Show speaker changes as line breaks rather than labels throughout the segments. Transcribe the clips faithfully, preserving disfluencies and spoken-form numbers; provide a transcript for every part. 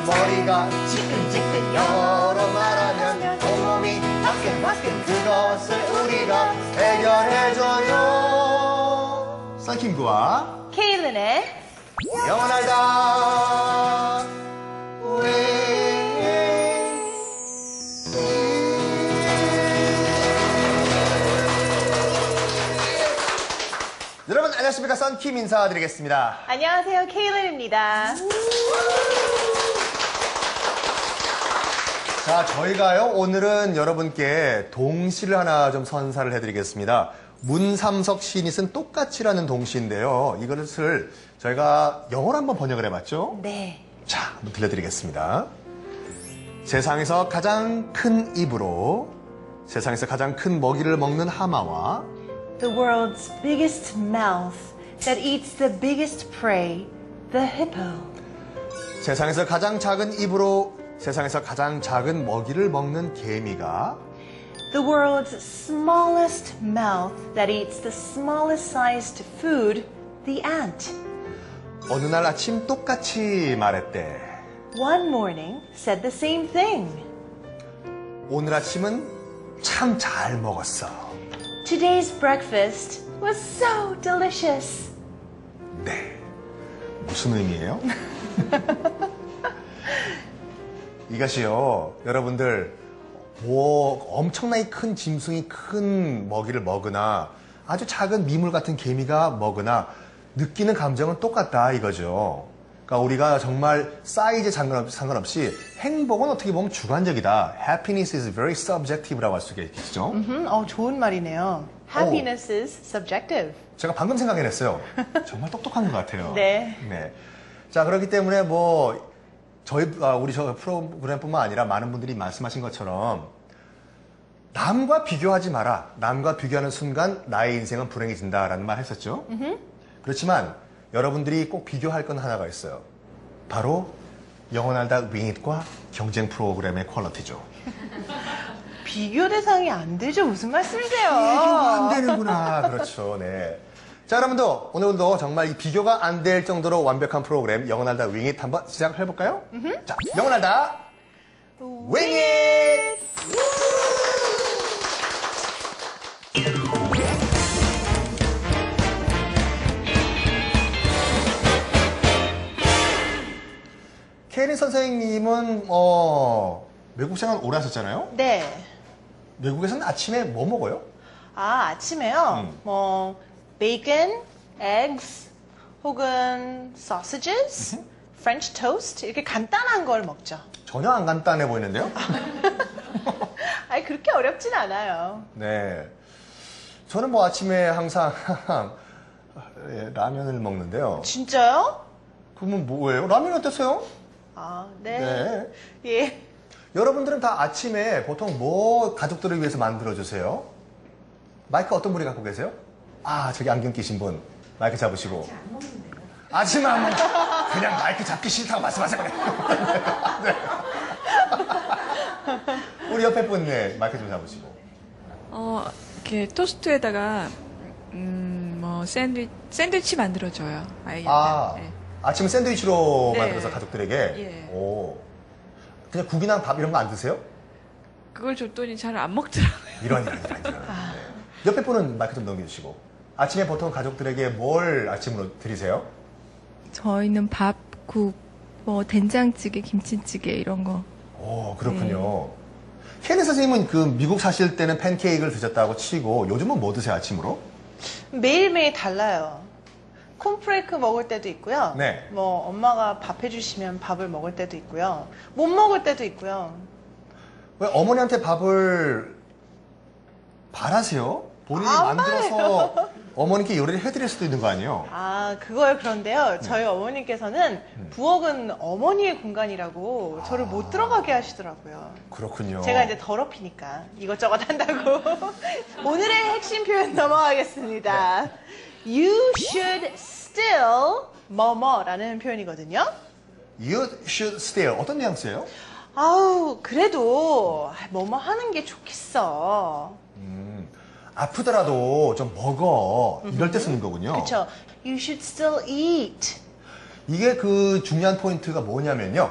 머리가 지끈지끈 영어로 말하면 온몸이 화끈화끈 그것을 우리가 해결해줘요. 썬킴구와
케일린의
영원하다 여러분 안녕하십니까. 썬킴 인사드리겠습니다.
안녕하세요. 케일린입니다.
자, 저희가요 오늘은 여러분께 동시를 하나 좀 선사를 해드리겠습니다. 문삼석 시인이 쓴 똑같이라는 동시인데요. 이것을 저희가 영어로 한번 번역을 해봤죠?
네.
자, 한번 들려드리겠습니다. 세상에서 가장 큰 입으로 세상에서 가장 큰 먹이를 먹는 하마와
The world's biggest mouth that eats the biggest prey, the hippo.
세상에서 가장 작은 입으로 세상에서 가장 작은 먹이를 먹는 개미가
The world's smallest mouth that eats the smallest sized food, the ant.
어느 날 아침 똑같이 말했대.
One morning said the same thing.
오늘 아침은 참 잘 먹었어.
Today's breakfast was so delicious.
네. 무슨 의미예요? 이것이요, 여러분들, 뭐, 엄청나게 큰 짐승이 큰 먹이를 먹으나, 아주 작은 미물 같은 개미가 먹으나, 느끼는 감정은 똑같다, 이거죠. 그러니까 우리가 정말 사이즈에 상관없이 행복은 어떻게 보면 주관적이다. Happiness is very subjective라고 할 수가 있겠죠.
음, 어, 좋은 말이네요. Happiness is subjective.
제가 방금 생각해냈어요. 정말 똑똑한 것 같아요.
네.
네. 자, 그렇기 때문에 뭐, 저희, 아, 우리 저 프로그램뿐만 아니라 많은 분들이 말씀하신 것처럼 남과 비교하지 마라. 남과 비교하는 순간 나의 인생은 불행해진다라는 말 했었죠. 음흠. 그렇지만 여러분들이 꼭 비교할 건 하나가 있어요. 바로 영원하다 윙잇과 경쟁 프로그램의 퀄리티죠.
비교 대상이 안 되죠. 무슨 말씀이세요?
비교가 안 되는구나. 그렇죠. 네. 자, 여러분들 오늘도 정말 이 비교가 안 될 정도로 완벽한 프로그램 영원하다 윙잇 한번 시작을 해볼까요? 음흠. 자, 영원하다 윙잇! 케일린 선생님은 어, 외국 생활 오래 하셨잖아요?
네.
외국에서는 아침에 뭐 먹어요?
아, 아침에요?
음.
뭐, 베이컨, eggs, 혹은 sausages, French toast, 이렇게 간단한 걸 먹죠.
전혀 안 간단해 보이는데요?
아니, 그렇게 어렵진 않아요.
네. 저는 뭐 아침에 항상 예, 라면을 먹는데요.
진짜요?
그러면 뭐예요? 라면이 어땠어요?
아, 네.
네.
예.
여러분들은 다 아침에 보통 뭐 가족들을 위해서 만들어주세요? 마이크 어떤 분이 갖고 계세요? 아, 저기 안경 끼신 분. 마이크 잡으시고.
아직 안 먹는데요.
아침 안 먹 그냥 마이크 잡기 싫다고 말씀하세요. 네. 우리 옆에 분, 네, 마이크 좀 잡으시고.
어, 이렇게 토스트에다가, 음, 뭐, 샌드위, 샌드위치 만들어줘요. 아이한테.
아,
네.
아침은 샌드위치로
네.
만들어서 가족들에게?
예.
오. 그냥 국이나 밥 이런 거 안 드세요?
그걸 줬더니 잘 안 먹더라고요.
이런, 이런, 이런, 이런. 네. 옆에 분은 마이크 좀 넘겨주시고. 아침에 보통 가족들에게 뭘 아침으로 드리세요?
저희는 밥, 국, 뭐 된장찌개, 김치찌개 이런 거.
오, 그렇군요. 케일린 선생님은 그 미국 사실 때는 팬케이크를 드셨다고 치고 요즘은 뭐 드세요, 아침으로?
매일매일 달라요. 콘프레이크 먹을 때도 있고요.
네.
뭐 엄마가 밥 해주시면 밥을 먹을 때도 있고요. 못 먹을 때도 있고요.
왜 어머니한테 밥을 바라세요? 본인이
안
만들어서 어머니께 요리를 해드릴 수도 있는 거 아니에요?
아, 그거요. 그런데요.
네.
저희 어머니께서는
음.
부엌은 어머니의 공간이라고 저를 못 들어가게 하시더라고요.
그렇군요.
제가 이제 더럽히니까 이것저것 한다고. 오늘의 핵심 표현 넘어가겠습니다.
네.
You should still 뭐뭐라는 표현이거든요.
You should still. 어떤 뉘앙스예요?
아우, 그래도 뭐뭐 하는 게 좋겠어.
음, 아프더라도 좀 먹어. 이럴 때 쓰는 거군요.
그렇죠. You should still eat.
이게 그 중요한 포인트가 뭐냐면요.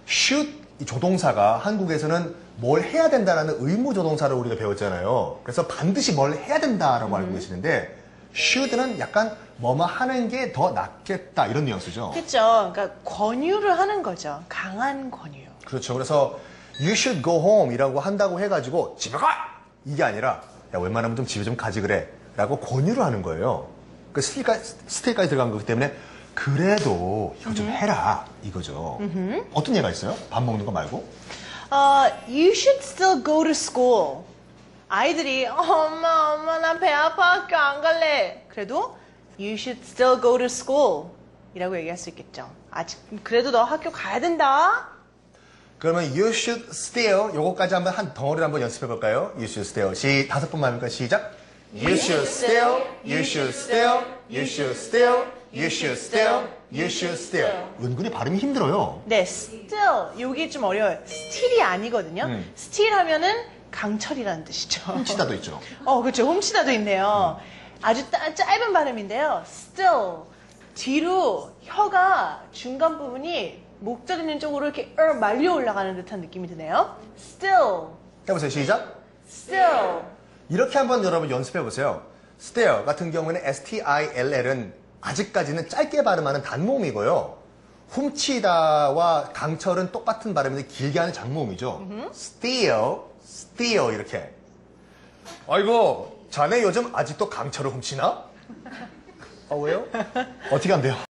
should 이 조동사가 한국에서는 뭘 해야 된다라는 의무 조동사를 우리가 배웠잖아요. 그래서 반드시 뭘 해야 된다라고 알고 계시는데 should는 약간 뭐뭐 하는 게 더 낫겠다 이런 뉘앙스죠.
그렇죠. 그러니까 권유를 하는 거죠. 강한 권유.
그렇죠. 그래서 you should go home 이라고 한다고 해가지고 집에 가! 이게 아니라 야 웬만하면 좀 집에 좀 가지 그래 라고 권유를 하는 거예요. 그 스틸까지, 스틸까지 들어간 거기 때문에 그래도 이거 좀 해라 이거죠. 어떤 예가 있어요? 밥 먹는 거 말고?
어, you should still go to school. 아이들이 엄마 엄마 나 배 아파 학교 안 갈래. 그래도 you should still go to school 이라고 얘기할 수 있겠죠. 아직 그래도 너 학교 가야 된다.
그러면 you should still 요거까지 한번 한 덩어리를 한번 연습해 볼까요? you should still 시 다섯 번만 해볼까요? 시작. you should still, you should still, you should still, you should still, you should still. 은근히 발음이 힘들어요.
네, still 요게 좀 어려워요. still이 아니거든요.
음.
still 하면은 강철이라는 뜻이죠.
훔치다도 있죠.
어, 그렇죠. 훔치다도 있네요. 아주 따- 짧은 발음인데요. still 뒤로 혀가 중간 부분이 목젖 있는 쪽으로 이렇게 어, 말려 올라가는 듯한 느낌이 드네요. still,
해보세요. 시작.
still.
이렇게 한번 여러분 연습해 보세요. still 같은 경우에는 S-T-I-L-L은 아직까지는 짧게 발음하는 단모음이고요. 훔치다와 강철은 똑같은 발음인데 길게 하는 장모음이죠. steal, steal 이렇게. 아이고, 자네 요즘 아직도 강철을 훔치나? 아, 왜요? 어떻게 한대요?